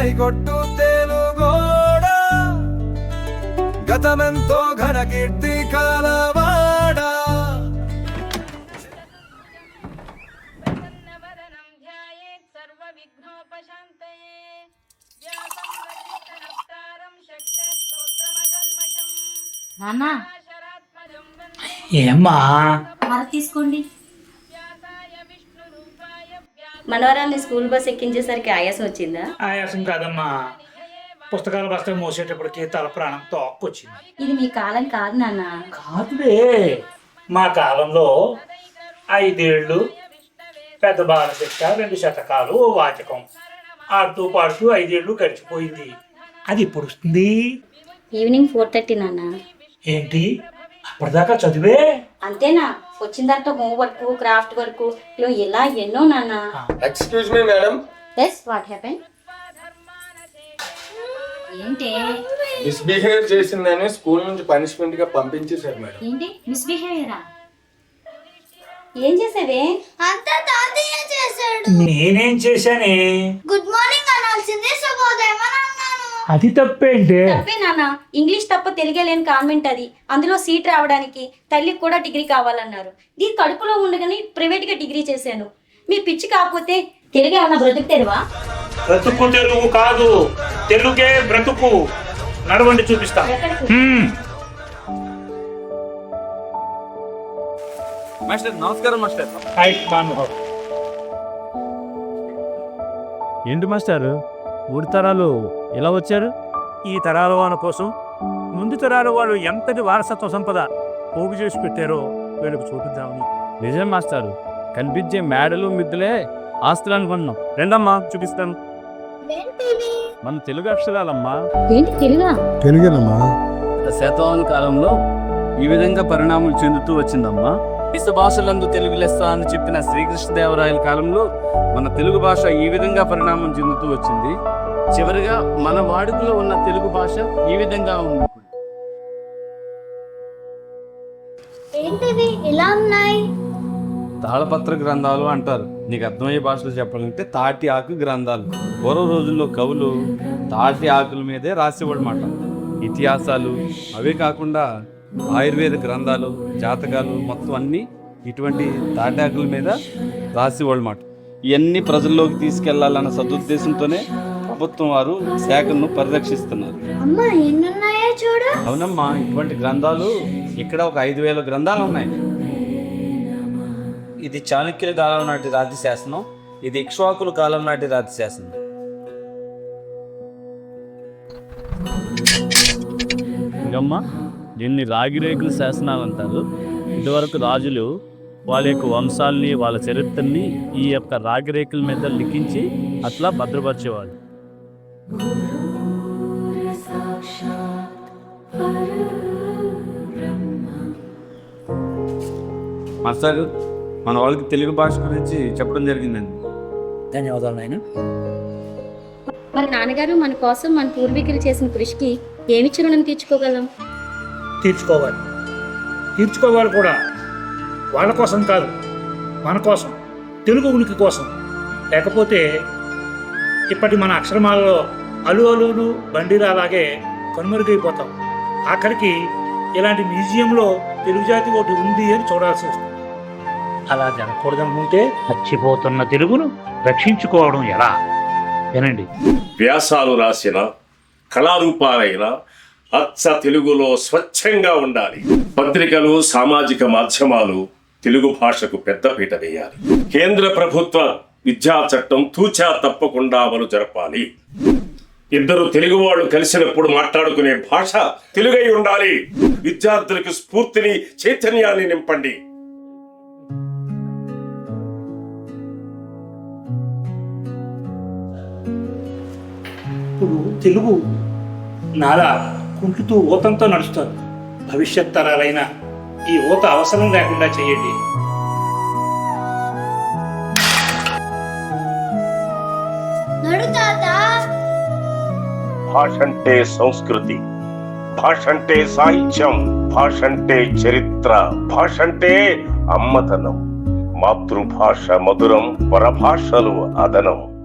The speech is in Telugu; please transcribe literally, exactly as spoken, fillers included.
కొట్టు తెలుగోడా గతమెంతో ఘన కీర్తి కలవాడా నాన్నా ఏమ్మా హార తీసుకోండి. మనవరాల్ని స్కూల్ బస్ ఎక్కించేసరికి ఆయాసం వచ్చిందా? ఆయాసం కాదమ్మా, పుస్తకాల బస్తా మోసేటప్పటికి తల ప్రాణం తోక్కొచ్చింది. ఇది మీ కాలం కాదు నాన్న. కాదులే, మా కాలంలో ఐదేళ్లు పెద్ద బాలశిక్ష, రెండు శతకాలు, ఓ వాచకం ఆడుతూ పాడుతూ ఐదేళ్లు గడిచిపోయింది. అది ఇప్పుడు వస్తుంది. ఈవినింగ్ ఫోర్ థర్టీ నాన్న. ఏంటి అప్పటిదాకా చదివే? అంతేనా? వచ్చిన తర్వాత హోంవర్క్, క్రాఫ్ట్ వర్క్ ఇలా ఎన్నో నాన్న. Excuse me madam. Yes, what happen? ఏంటి మిస్బిహేవ్ చేసిందని స్కూల్ నుంచి పనిష్మెంట్ గా పంపించేశారు మేడం. ఏంటి మిస్బిహేవియరా? ఏం చేసావే? అంతా తాతయ్య చేశాడు. నేనేం చేశానే? గుడ్ మార్నింగ్ అనాల్సింది శుభోదయం అని అన్నాను. అది తప్పేంటే? తప్పే నాన్న. ఇంగ్లీష్ తప్ప తెలుగే లేని కాన్వెంట్ అది. అందులో సీట్ రావడానికి తల్లికి కూడా డిగ్రీ కావాలన్నారు. దీని కడుపులో ఉండగానే ప్రైవేట్ గా డిగ్రీ చేశాను. మీ పిచ్చి కాకపోతే తెలుగు ఏమన్నా బ్రతుకు తెరువా? బ్రతుకు తెలుగు కాదు, తెలుగే బ్రతుకు. నడవండి చూపిస్తా. మాస్టర్ నమస్కారం. మాస్టర్ ఏంటి మాస్టారు మూడు తరాలు ఎలా వచ్చారు? ఈ తరాల వాళ్ళ కోసం ముందు తరాల వాళ్ళు ఎంతటి వారసత్వ సంపద పోగు చేసి పెట్టారో వీళ్ళకు చూపిద్దామని. నిజం మాస్టారు, కనిపించే మేడలు మిద్దులే ఆస్తులు అనుకున్నాం. రెండమ్మా చూపిస్తాను. మన తెలుగు అక్షరాలమ్మా. ఏంటి తెలుగా? తెలుగేనమ్మా. శతవాహన కాలంలో ఈ విధంగా పరిణామం చెందుతూ వచ్చిందమ్మా. దేశ భాషలందు తెలుగు లెస్స అని చెప్పిన శ్రీకృష్ణదేవరాయల కాలంలో మన తెలుగు భాష ఈ విధంగా పరిణామం చెందుతూ వచ్చింది. చివరిగా మన వాడుకలో ఉన్న తెలుగు భాష ఈ విధంగా ఉంది. ఏంటివి ఇలా ఉన్నాయి? తాళపత్ర గ్రంథాలు అంటారు. నీకు అర్థమయ్యే భాషలో చెప్పాలంటే తాటి ఆకు గ్రంథాలు. పూర్వ రోజుల్లో కవులు తాటి ఆకుల మీదే రాసేవాళ్ళమాట. ఇతిహాసాలు అవే కాకుండా ఆయుర్వేద గ్రంథాలు, జాతకాలు మొత్తం అన్నీ ఇటువంటి తాటి ఆకుల మీద రాసేవాళ్ళమాట. ఇవన్నీ ప్రజల్లోకి తీసుకెళ్లాలన్న సదుద్దేశంతోనే ప్రభుత్వం వారు శాఖను పరిరక్షిస్తున్నారు. అమ్మా ఎన్నున్నాయో చూడు. అవునమ్మా, ఇటువంటి గ్రంథాలు ఇక్కడ ఒక ఐదు వేల గ్రంథాలు ఉన్నాయి. ఇది చాణక్యుల కాలం నాటి రాతి శాసనం, ఇది ఇక్ష్వాకుల కాలం నాటి రాతి శాసనం. ఇంకమ్మా దీన్ని రాగిరేకుల శాసనాలు అంటారు. ఇదివరకు రాజులు వాళ్ళ యొక్క వంశాలని, వాళ్ళ చరిత్రని ఈ యొక్క రాగిరేకుల మీద లిఖించి అట్లా భద్రపరిచేవాళ్ళు. మాస్టర్, మన వాళ్ళకి తెలుగు భాష గురించి చెప్పడం జరిగిందండి. ధన్యవాదాలు నాయన. మరి నాన్నగారు మన కోసం మన పూర్వీకులు చేసిన కృషికి ఏమి రుణం తీర్చుకోగలం? తీర్చుకోవాలి తీర్చుకోవాలి కూడా. వాళ్ళ కోసం కాదు, మన కోసం, తెలుగు ఉనికి కోసం. లేకపోతే ఇప్పటి మన అక్షరమాలలో అలు అలులు బండిరా అలాగే కనుమరుగైపోతాం. ఆఖరికి ఇలాంటి మ్యూజియంలో తెలుగు జాతి ఒకటి ఉంది అని చూడాల్సి వస్తుంది. అలా జరగకూడదనుకుంటే చచ్చిపోతున్న తెలుగును రక్షించుకోవడం ఎలా? వినండి. వ్యాసాలు రాసిన కళారూపాలైన అచ్చ తెలుగులో స్వచ్ఛంగా ఉండాలి. పత్రికలు, సామాజిక మాధ్యమాలు తెలుగు భాషకు పెద్దపీట వేయాలి. కేంద్ర ప్రభుత్వ విద్యా చట్టం తూచా తప్పకుండా అమలు జరపాలి. ఇద్దరు తెలుగు వాళ్ళు కలిసినప్పుడు మాట్లాడుకునే భాష తెలుగై ఉండాలి. విద్యార్థులకు స్ఫూర్తిని, చైతన్యాన్ని నింపండి. ఇప్పుడు తెలుగు నాలా కుంటుతూ ఊతంతో నడుస్తుంది. భవిష్యత్ తరాలైన ఈ ఊత అవసరం లేకుండా చేయండి. భాష అంటే సంస్కృతి, భాష అంటే సాహిత్యం, భాష అంటే చరిత్ర, భాష అంటే అమ్మతనం. మాతృభాష మధురం, పరభాషలు అదనం.